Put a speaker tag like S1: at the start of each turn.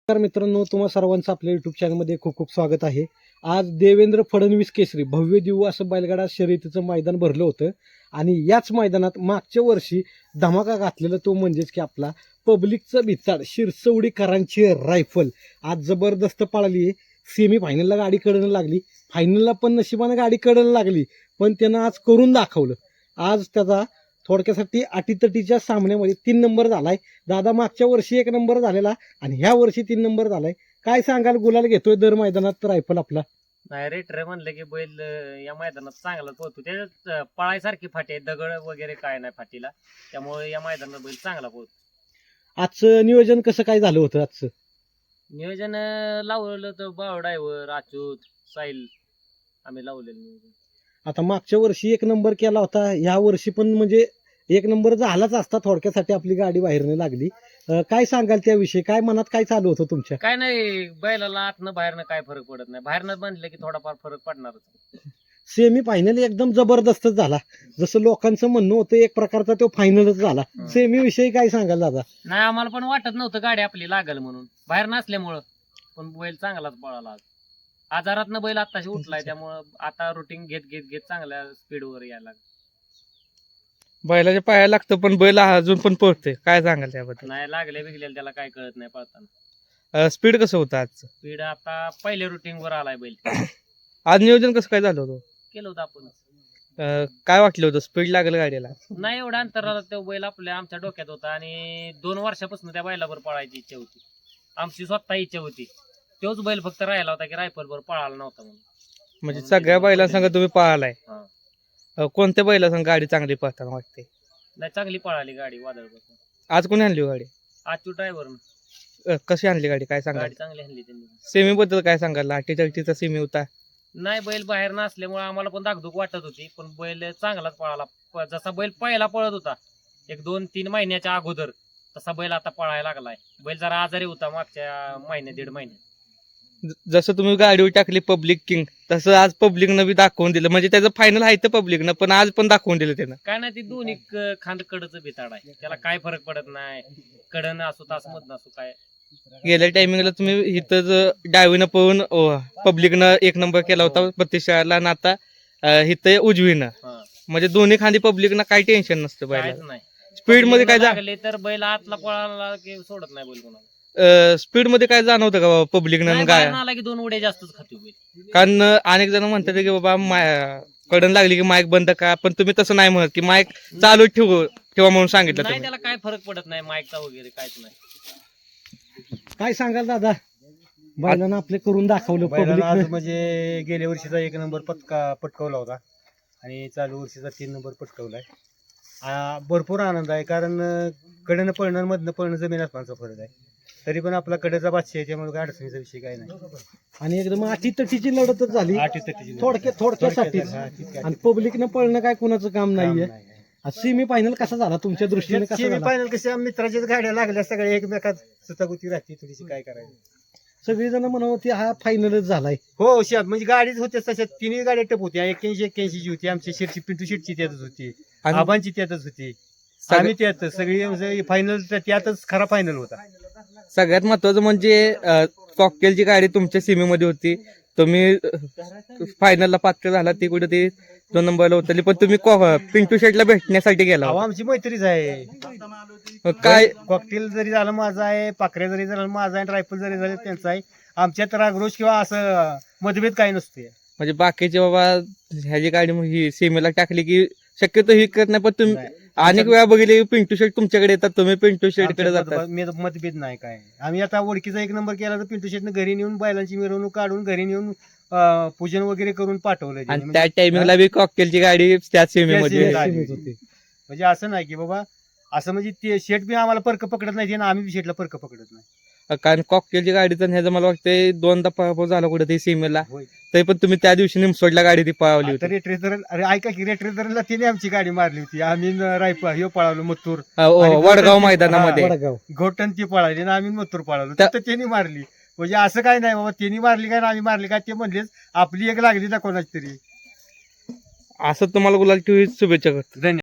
S1: नमस्कार मित्रांनो, तुम्हा सर्वांचं आपल्या युट्यूब चॅनलमध्ये खूप खूप स्वागत आहे. आज देवेंद्र फडणवीस केसरी भव्य दिव्य असं बैलगाडा शर्यतीचं मैदान भरलं होतं आणि याच मैदानात मागच्या वर्षी धमाका घातलेला तो म्हणजेच की आपला पब्लिकचं भिताड शिरसवडीकरांची रायफल आज जबरदस्त पळाली आहे. सेमी फायनलला गाडी कडनं लागली, फायनलला पण नशिबानं गाडी कडनं लागली, पण त्यानं आज करून दाखवलं. आज त्याचा थोडक्यासाठी अटीतटीच्या सामन्यामध्ये 3 नंबर झालाय. दादा मागच्या वर्षी 1 नंबर झालेला आणि ह्या वर्षी 3 नंबर झालाय. काय सांगाल, गुलाल घेतोय दर मैदानात रायफल आपला?
S2: नाही रेटर म्हणलं की बैल या मैदानात चांगला पोहतो. त्याच्यात पळायसारखी फाटी आहे, दगड वगैरे काय नाही फाटीला, त्यामुळे या मैदानात बैल चांगला पोहतो.
S1: आजचं नियोजन कसं काय झालं होतं? आजचं
S2: नियोजन लावलेलं तर बाव ड्रायव्हर अच्युत साहिल आम्ही लावलेलं नियोजन.
S1: आता मागच्या वर्षी 1 नंबर केला होता, ह्या वर्षी पण म्हणजे 1 नंबर झालाच असता. थोडक्यासाठी आपली गाडी बाहेरनं लागली. काय सांगाल त्याविषयी? काय मनात काय चालू होतं तुमच्या?
S2: काय नाही, बैलाला आतनं बाहेरनं काय फरक पडत नाही. बाहेरनं बनलं की थोडाफार फरक पडणारच.
S1: सेमी फायनल एकदम जबरदस्तच झाला, जसं लोकांचं म्हणणं होतं एक प्रकारचा तो फायनलच झाला. सेमी विषयी काय सांगाल दादा?
S2: नाही, आम्हाला पण वाटत नव्हतं गाडी आपली लागल म्हणून, बाहेर नसल्यामुळं, पण बैल चांगलाच पळाला आज. आजारातनं बैल आताशी उठलाय, त्यामुळं आता रुटीन घेत घेत घेत चांगल्या स्पीडवर यायला लागला.
S3: बैलाच्या पायाला लागतं पण बैल अजून पण पळतोय. काय सांगाल त्याबद्दल?
S2: नाही, लागले बिगले त्याला काय कळत नाही पळताना.
S3: स्पीड कसं होतं आजचं?
S2: स्पीड आता पहिल्या रुटीन वर आलाय बैल.
S3: आज नियोजन कसं काय झालं होतं?
S2: केलं होतं आपण.
S3: काय वाटलं होतं? स्पीड लागेल गाडीला?
S2: नाही, एवढ्या अंतराला तो बैल आमच्या डोक्यात होता आणि 2 वर्षापासून त्या बैलावर पळायची इच्छा होती. आमची स्वतः इच्छा होती. तोच बैल फक्त राहिला होता की रायफल वर पळाला नव्हता म्हणून.
S3: म्हणजे सगळ्या बैलांसंग तुम्ही पळालाय. कोणत्या बैलासंग गाडी चांगली पळताना वाटते?
S2: नाही, चांगली पळाली गाडी वादळपासून.
S3: आज कोणी आणली हो गाडी?
S2: आजची ड्रायव्हर
S3: कशी आणली गाडी? काय सांगाल?
S2: गाडी चांगली आणली त्यांनी.
S3: सेमी बद्दल काय सांगाल? 38चा सेमी होता.
S2: नाही, बैल बाहेर नसल्यामुळे आम्हाला पण धाकधूक वाटत होती, पण बैल चांगलाच पळाला. जसा बैल पहिला पळत होता 1-2-3 महिन्याच्या अगोदर, तसा बैल आता पळायला लागलाय. बैल जरा आजारी होता मागच्या महिन्यात 1.5 महिन्यात.
S3: जसं तुम्ही गाडीवर टाकली पब्लिक किंग, तसं आज पब्लिकनं बी दाखवून दिलं. म्हणजे त्याचं फायनल आहे तर पब्लिकनं, पण आज पण दाखवून दिलं त्यानं.
S2: काय नाही, ती दोन्ही खांद कडचं भिताड आहे, त्याला काय फरक पडत नाही. कडन असो तास मधन असो काय.
S3: गेल्या टायमिंगला तुम्ही इथं डावीनं पळून पब्लिकनं 1 नंबर केला होता प्रतिष्ठाला, आणि आता इथं उजवीनं. म्हणजे दोन्ही खांदी पब्लिकनं काही टेन्शन नसतं
S2: काहीच
S3: बैलाला.
S2: नाही.
S3: स्पीड मध्ये काय
S2: लागले तर बैल आतला पळाला की सोडत नाही बैल कोणाला.
S3: स्पीड मध्ये काय जाणवतं का बाबा पब्लिकनं
S2: नाही,
S3: काय?
S2: बाहेर आला की 2 उड्या जास्तच खातो बैल.
S3: कारण अनेक जण म्हणतात की बाबा कडन लागली की माईक बंद का, पण तुम्ही तसं नाही म्हणत की माईक चालू ठेवा म्हणून सांगितलं
S2: नाही,
S3: तुम्ही.
S2: त्याला काय फरक पडत नाही माईकचा वगैरे काहीच नाही.
S1: काय सांगाल दादा? बैलानं आपले करून दाखवलं.
S4: बैलानं आज
S1: पब्लिक
S4: म्हणजे गेल्या वर्षीचा 1 नंबर पटकावला होता आणि चालू वर्षीचा 3 नंबर पटकावलाय. भरपूर आनंद आहे, कारण कडेनं पळणं मधनं पळणं जमीन आसमानचा फरक आहे. तरी पण आपला कडेचा बादशाह आहे, त्यामुळे काय अडचणीचा विषय काय नाही.
S1: आणि एकदम अटीतटीची लढतच झाली
S4: अटीतटीची
S1: थोडक्यासाठी. आणि पब्लिकनं पळणं काय कुणाचं काम नाहीये. सेमी फायनल कसा झाला तुमच्या दृष्टीने? कसा
S4: सेमी
S1: झाला?
S4: फायनल कशा मित्राच्याच गाड्या लागल्या सगळ्या, एकमेकात सुतागुती राहते थोडीशी, काय करायचं.
S1: सगळेजण म्हणत होते हा फायनलच झालाय.
S4: हो, शात म्हणजे गाडीच होत्या तशा 3 गाड्या टप होत्या. 81 ची होती आमची, शेटची पिंटू शेटची त्यातच होती,
S3: आणि
S4: आबांची त्यातच होती, आम्ही त्यातच सगळी फायनल त्यातच खरा फायनल होता.
S3: सगळ्यात महत्वाचं म्हणजे कॉकटेलची गाडी तुमच्या सीमेमध्ये होती. तुम्ही फायनलला पात्र झाला, ती कुठे ती 2 नंबरला उतरली, पण तुम्ही पिंटू शेटला भेटण्यासाठी गेला
S4: अहो,
S3: होता.
S4: आमची मैत्रीच आहे.
S3: काय
S4: कॉकटेल जरी झालं माझं आहे, पाखऱ्या जरी झालं माझा आहे, रायफल जरी झालं त्यांचा आहे. आमच्यात रागरोष किंवा असं मतभेद काही नसते.
S3: म्हणजे बाकीचे बाबा ह्याची गाडी ही सीमेला टाकली की शक्यतो ही करत नाही, पण तुम्ही
S4: नाही.
S3: अनेक वेळा बघितले पिंटू शेट तुमच्याकडे येतात, तुम्ही पिंटू शेटकडे जातात.
S4: आमच्यात मतभेद नाही काय. आम्ही आता ओळखीचा 1 नंबर केला तर पिंटू शेटनं घरी नेऊन बैलांची मिरवणूक काढून घरी नेऊन पूजन वगैरे करून पाठवलं.
S3: आणि त्या टायमिंगला बी कॉकटेलची गाडी त्याच सीमेमध्ये
S4: त्या
S3: होती.
S4: सीमेत होती. म्हणजे असं नाही की बाबा असं म्हणजे ते शेट बी आम्हाला परक पकडत नाही आणि आम्ही बी शेटला परक पकडत नाही.
S3: कारण कॉकटेलची गाडीचं ह्याचं मला वाटतंय 2दा पराभव झाला कुठे ते सीमेला,
S4: होय.
S3: तरी पण तुम्ही त्या दिवशी निमसोडला गाडी ती पळवली
S4: आता
S3: होती.
S4: रेट्रेझर, अरे ऐका की, रेट्रेझरला तिने आमची गाडी मारली होती. आम्ही रायफल ह्यो पळालो मथुर,
S3: वडगाव मैदानामध्ये.
S1: वडगाव
S4: घोटन ती पळाली आणि आम्ही मथुर पळालो,
S3: त्या-
S4: तर त्यांनी मारली. म्हणजे असं काय नाही बाबा त्यांनी मारली काय आम्ही मारली काय, ते म्हणलेच आपली एक लागली ना कोणाची तरी.
S3: असं तुम्हाला गुलाल ठेवी शुभेच्छा करतो.
S4: धन्यवाद.